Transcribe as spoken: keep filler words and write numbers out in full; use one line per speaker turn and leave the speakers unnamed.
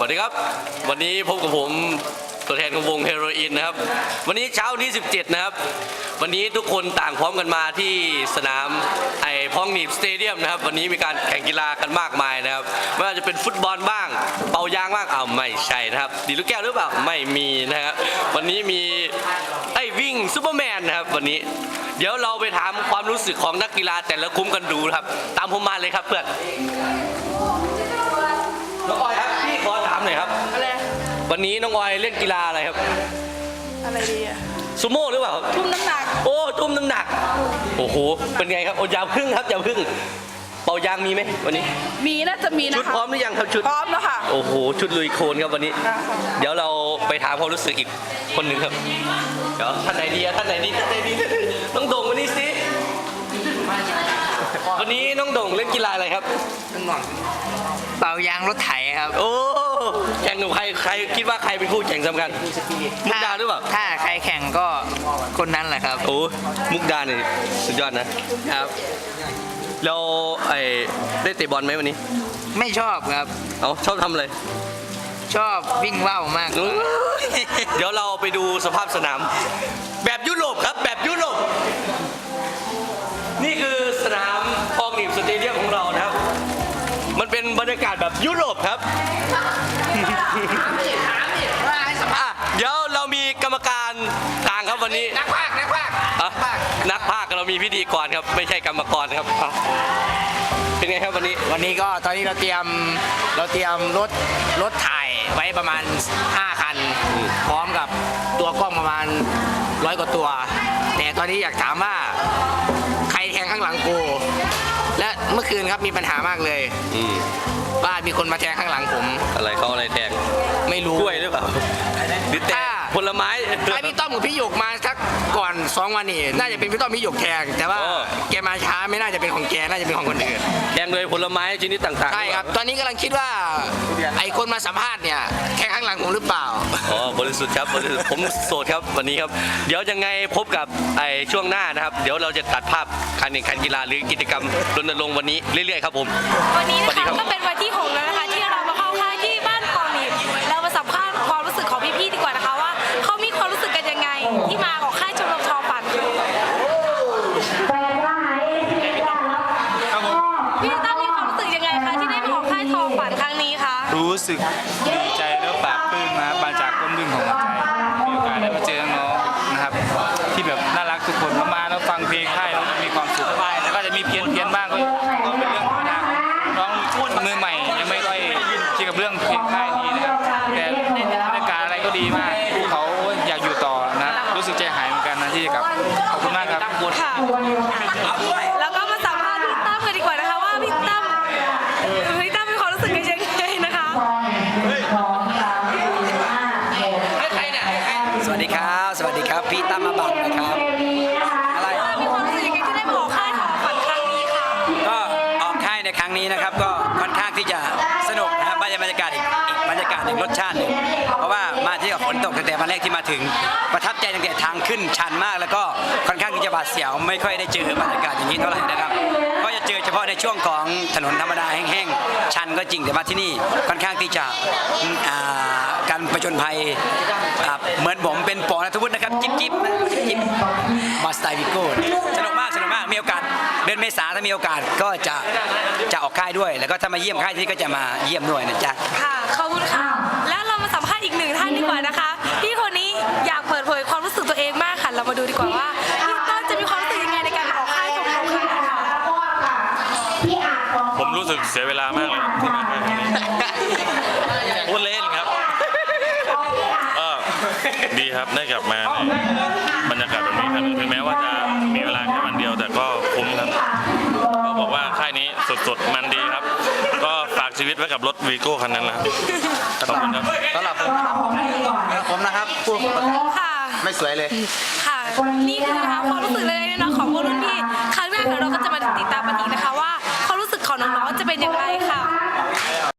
วัสดีครับวันนี้พบกับผมตัวแทนของวงเฮโรอีนนะครับวันนี้เช้าที่สิบเจ็ดนะครับวันนี้ทุกคนต่างพร้อมกันมาที่สนามไอ้พองหนีบสเตเดียมนะครับวันนี้มีการแข่งกีฬากันมากมายนะครับไม่ว่าจะเป็นฟุตบอลบ้างเป่ายางบ้างอ้าวไม่ใช่นะครับดีลูกแก้วหรือเปล่าไม่มีนะครับวันนี้มีไอ้วิ่งซูเปอร์แมนนะครับวันนี้เดี๋ยวเราไปถามความรู้สึกของนักกีฬาแต่ละคุ้มกันดูครับตามผมมาเลยครับเพื่อนน้องออยครับพี่ขอถามหน่อยครับอะไรวันนี้น้องออยเล่นกีฬาอะไรครับ
อะไรดีอะ
ซูโม่หรือเปล่า
ทุ่มน้ำหนัก
โอ้ทุ่มน้ำหนักโอ้โหเป็นไงครับโอ้ยาวพึ่งครับยาวพึ่งเป่ายางมีไหมวันนี้
มีน่าจะมีนะคะ
ชุดพร้อมหรือยังครับชุด
พร้อมแล้วค่ะ
โอ้โหชุดลุยโคลนครับวันนี้เดี๋ยวเราไปถามความรู้สึกอีกคนหนึ่งครับเดี๋ยวท่านไหนดีท่านไหนดีท่านไหนดีน้องโด่งวันนี้สิวันนี้น้องโด่งเล่นกีฬาอะไรครับ
เป่ายางรถไถครับ
โอ้แข่งกับใครใครคิดว่าใครเป็นคู่แข่งสำคัญมุกดาหรือเปล่า
ถ้าใครแข่งก็คนนั้นแหละครับ
โอ้มุกดาเนี่ยสุดยอดนะครับเราไอ้ได้เตะบอลไหมวันนี้
ไม่ชอบครับ
เอาชอบทำอะไร
ชอบวิ่งว่าวมาก
เดี๋ยวเราไปดูสภาพสนามแบบยุโรปครับแบบยุโรปนี่คือสนามพองหนีบสเตเดียมของเรานะครับมันเป็นบรรยากาศแบบยุโรปครับเดี๋ยวเรามีกรรมการต่างครับวันนี้
นักพากย์นักพากย์
นักพากย์เรามีพิธีกรครับไม่ใช่กรรมกรครับเป็นไงครับวันนี้
วันนี้ก็ตอนนี้เราเตรียมเราเตรียมรถรถถ่ายไว้ประมาณห้าคันพร้อมกับตัวกล้องประมาณร้อยกว่าตัวแต่ตอนนี้อยากถามว่าใครแทงข้างหลังกูและเมื่อคืนครับมีปัญหามากเลยว่ามีคนมาแทงข้างหลังผม
อะไรเขาอะไรแทง
ไม่รู้
กล้วยหรือเปล่าหรือแทงผลไม้
ถ้าพี่ต้อมกับพี่หยกมาสักก่อนสองวันนี่น่าจะเป็นพี่ต้อมพี่หยกแทงแต่ว่าแกมาช้าไม่น่าจะเป็นของแกน่าจะเป็นของคนอื่น
แทงเลยผลไม้ชนิดต่างๆ
ใช่ครับตอนนี้กำลังคิดว่าไอ้คนมาสัมภาษณ์เนี่ยแทงข้างหลังผมหรือเปล่า
อ๋อบริสุทธิ์ครับบริสุทธิ์ผมโสดครับวันนี้ครับเดี๋ยวยังไงพบกับไอ้ช่วงหน้านะครับเดี๋ยวเราจะตัดภาพการแข่งขันกีฬาหรือกิจกรรมรณรงค์วันนี้เรื่อยๆครับผม
วันนี้นะคะก็เป็นวันที่หกแล้วนะคะที่เรามาเข้าค่ายที่บ้านพองหนีบเรามาสัมภาษณ์ความรู้สึกของพี่ๆดีกว่านะคะว่าเขามีความรู้สึกกันยังไงที่มาของค่ายชมรมทอฝันพี่ตั้มมีความรู้สึกยังไงคะที่ได้มาของค่ายทอฝันครั้งนี้คะ
รู้สึกดีใจแล้วปลาบปลื้มนะมาจากก้นบึ้งของหัวใจมีโอกาสได้มาเจอน้องนะครับที่แบบน่ารักทุกคนมาแล้วฟังเพลงค่ายแล้วมีความสุขแล้วก็จะมีเพี้ยนเพี้ยนบ้างก็เป็นเรื่องธรรมดาน้องมือใหม่ยังไม่ค่อยชินกับเรื่องเพลงค่ายนี้นะครับแต่บรรยากาศอะไรก็ดีมากเขาอยากอยู่ต่อนะรู้สึกใจหายเหมือนกันนะที่จะกลับขอบคุณมากครับ
ค่ะแล้วก็มาสัมภาษณ์พี่ตั้มกันดีกว่านะคะว่าพี่ตั้มพี่ตั้มมีความรู้สึกยังไงนะคะ
สวัสดีครับสวัสดีครับพี่ตั้มมาบังนะครับ
อะไรมีความรู้สึกยังไงที่ได้มาออกค่ายทอฝันครั้งนี้ค่ะ
ก็ออกค่ายในครั้งนี้นะครับก็ค่อนข้างที่จะสนุกนะครับบรรยากาศอีกอีกบรรยากาศหนึ่งรสชาติหนึ่งเพราะว่ามาที่กับฝนตกตั้งแต่วันแรกที่มาถึงประทับใจตั้งแต่ทางขึ้นชันมากแล้วก็ค่อนข้างที่จะบาดเสียวไม่ค่อยได้เจอบรรยากาศอย่างนี้เท่าไหร่นะครับก็จะเจอเฉพาะในช่วงของถนนธรรมดาแห้งๆชันก็จริงแต่มาที่นี่ค่อนข้างที่จะการประจนภัยเหมือนผมเป็นปอนัทวุฒินะครับจิ๊บจิ๊บจิ๊บมาสไตล์วิโก้สนุกมากสนุกมากมีโอกาสเดือนเมษาถ้ามีโอกาสก็จะจะออกค่ายด้วยแล้วก็ถ้ามาเยี่ยมค่ายที่ก็จะมาเยี่ยมด้วยนะจ๊ะ
ค่ะขอบคุณค่ะแล้วเรามาสัมภาษณ์อีกหนึ่งท่านดีกว่านะคะพี่คนนี้อยากเปิดเผยความรู้สึกตัวเองมากค่ะเรามาดูดีกว่าว่าพี่ต้นจะมีความรู้สึกยังไงในการออกค่ายของเราค่ะ
ผมรู้สึกเสียเวลามากเลยที่มาครั้งนี้พูดเล่นครับดีครับได้กลับมาในบรรยากาศแบบนี้ครับถึงแม้ว่าจะมีเวลาแค่วันเดียวแต่ก็คุ้มครับก็บอกว่าค่ายนี้สดๆมันดีครับก็ฝากชีวิตไว้กับรถวีโก้คันนั้นแหละขอบคุณครับ
สำหรับผมผมนะครับพูดไม่สวยเลย
ค่ะนี่คือนะคะความรู้สึกเลยนะของพวกรุ่นพี่ครั้งหน้าเราก็จะมาติดตามกันอีกนะคะว่าความรู้สึกของน้องๆจะเป็นอย่างไร